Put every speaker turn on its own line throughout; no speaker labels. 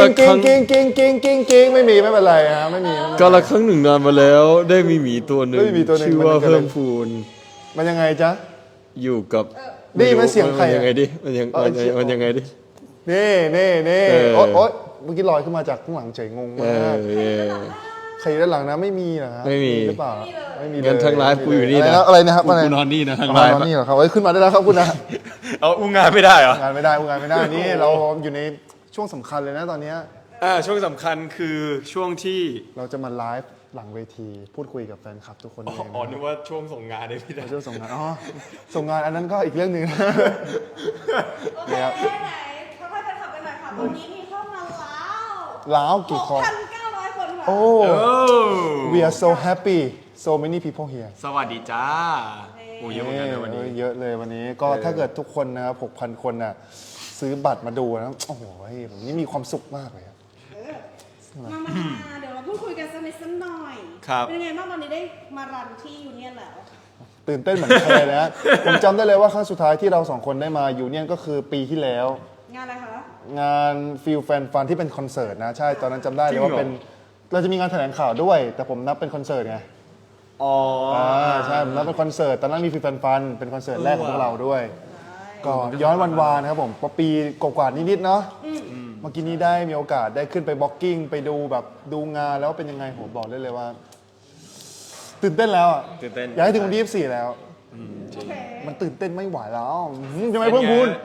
กิ้งกิ้งกิ้งกิ้งกิ้งกิ้งกิ้งไม่มีไม่เป็นไรฮะไม่มี
กาลครั้งหนึ่งนานมาแล้ว ได้มีหมีตัวหนึ่งชื่อว่าเพิ่มพูน
มันยังไงจ๊ะ
อยู่กับ
นี่มันเสียงใคร
มันยังไงดิมันยังไงดิ
นี่โอ๊ยเมื่อกี้ลอยขึ้นมาจากข้างหลังเฉยงงมากใครด้านหลังนะไม่มีเหรอครับ
ไม่มี
หรือเปล่าไม่มีเลย
งั้นทางไลฟ์กูอยู่นี่นะ
อะไรนะครับ
กูนอนนี่นะทางไลฟ์
นอนนี่เหรอครับขึ้นมาได้แล้วครับคุณนะ
เอาอุ้งงานไม่ได้เหรอง
านไม่ได้นี่เราอยู่ในช่วงสำคัญเลยนะตอนนี้
ช่วงสำคัญคือช่วงที่
เราจะมาไลฟ์หลังเวทีพูดคุยกับแฟนคลับทุกคนเอง
นึกว่าช่วงส่งงานเลยพี่
ช่วงส่งงานส่งงานอันนั้นก็อีกเรื่องหนึ่ง
โอเคไหนค่อยๆแฟนคลับกันหน่อยค่ะตอนนี้มีเข้ามา
แล้วกี่คน
6,900 คนค่ะ
โอ้ we are so happy so many people here
สวัสดีจ้าโอ้เยอะเหมือนกันเลยวันนี้
เยอะเลยวันนี้ก็ถ้าเกิดทุกคนนะครับ 6,000 คนน่ะซื้อบัตรมาดูนะโอ้โหผมนี่มีความสุขมากเลย
มาเดี๋ยวเราพูดคุยกันสักนิดสักหน่อยเป็นไงบ้างตอนนี้ได้มารันที่ยูเนียนแล้ว
ตื่นเต้นเหมือนใครนะผมจำได้เลยว่าครั้งสุดท้ายที่เราสองคนได้มายูเนียนก็คือปีที่แล้ว
งานอะไรคะ
งานฟิลแฟนฟันที่เป็นคอนเสิร์ตนะใช่ตอนนั้นจำได้เลยว่าเป็นเราจะมีงานแถลงข่าวด้วยแต่ผมนับเป็นคอนเสิร์ตไงใช่ผมนับเป็นคอนเสิร์ตตอนนั้นมีฟิลแฟนฟันเป็นคอนเสิร์ตแรกของพวกเราด้วยก็ย้อนวันวานนะครับผมปีกว่าๆนิดๆเนาะเมื่อกี้นี้ได้มีโอกาสได้ขึ้นไปบล็อกกิ้งไปดูแบบดูงานแล้วเป็นยังไงผมบอกได้เลยว่าตื่นเต้นแล้วอยากให้ถึงวันที่24แล้วมันตื่นเต้นไม่ไหวแล้วยังไงเพิ่มพูน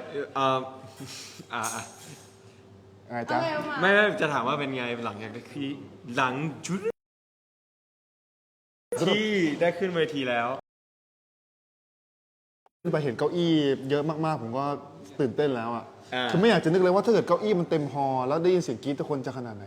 ไงจ๊ะ
ไม่จะถามว่าเป็นไงหลังจากที่หลังชุดที่ได้ขึ้นเวทีแล้ว
ขึ้นไปเห็นเก้าอี้เยอะมากๆผมก็ตื่นเต้นแล้วอ่ะคือไม่อยากจะนึกเลยว่าถ้าเกิดเก้าอี้มันเต็มฮอลแล้วได้ยินเสียงกรี๊ดทุกคนจะขนาดไหน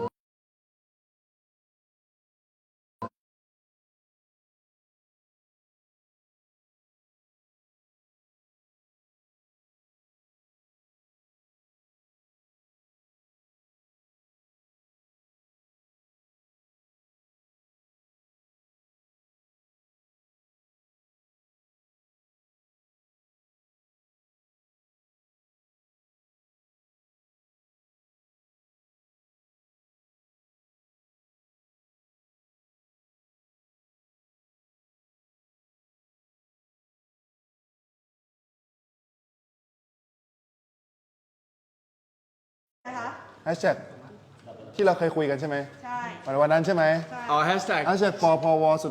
แฮชแท็กที่เราเคยคุยกันใช่ไหม
ใช่
วันนั้นใช่ไหม
แฮชแท็ก
พวสุด